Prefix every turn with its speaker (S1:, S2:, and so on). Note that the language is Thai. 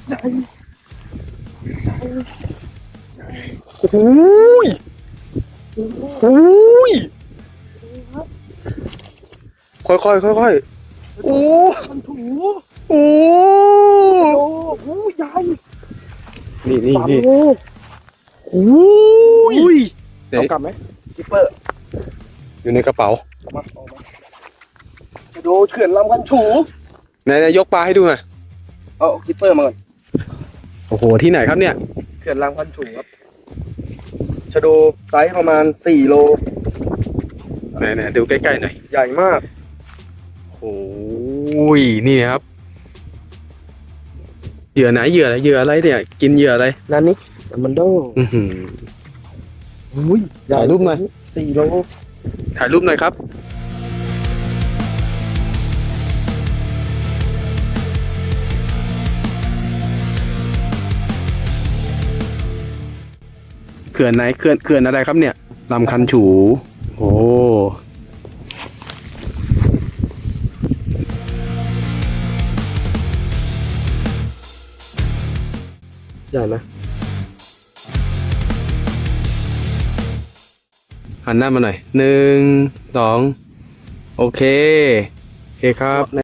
S1: ใหญ่
S2: โอ้ยโอ้ยค่อยๆโอ้
S1: มันถู
S2: โอ้
S1: โอ้โหใหญ่
S2: นี่
S1: โอ้โห
S2: โอ้ยไหน
S1: เอากลับไหมกิปเปอร์
S2: อยู่ในกระเป๋า
S1: ออกมาจะดูเขื่อนลำกันฉู
S2: ไหนยกปลาให้ดูหน่อย
S1: เอากิปเปอร์มาก่อน
S2: โอ้โหที่ไหนครับเนี่ย
S1: เขื่อนลำกันฉูครับชะโดไซส์ประมาณ4 โล
S2: ไหนดูใกล้ๆหน่อย
S1: ใหญ่มาก
S2: โอ้ยนี่ครับเหยื่อไหนเหยื่ออะไรเนี่ยกินเหยื่ออะไร
S1: นั่นนี่มันโด
S2: อื้อหือ
S1: อุ้ย
S2: ถ่ายรูปหน่อย
S1: 4 โล
S2: ถ่ายรูปหน่อยครับเขื่อนไหนเขื่อนอะไรครับเนี่ยลำคันฉูโอ้
S1: ใหญ่ไหม
S2: หันหน้ามาหน่อย1 2โอเคครับ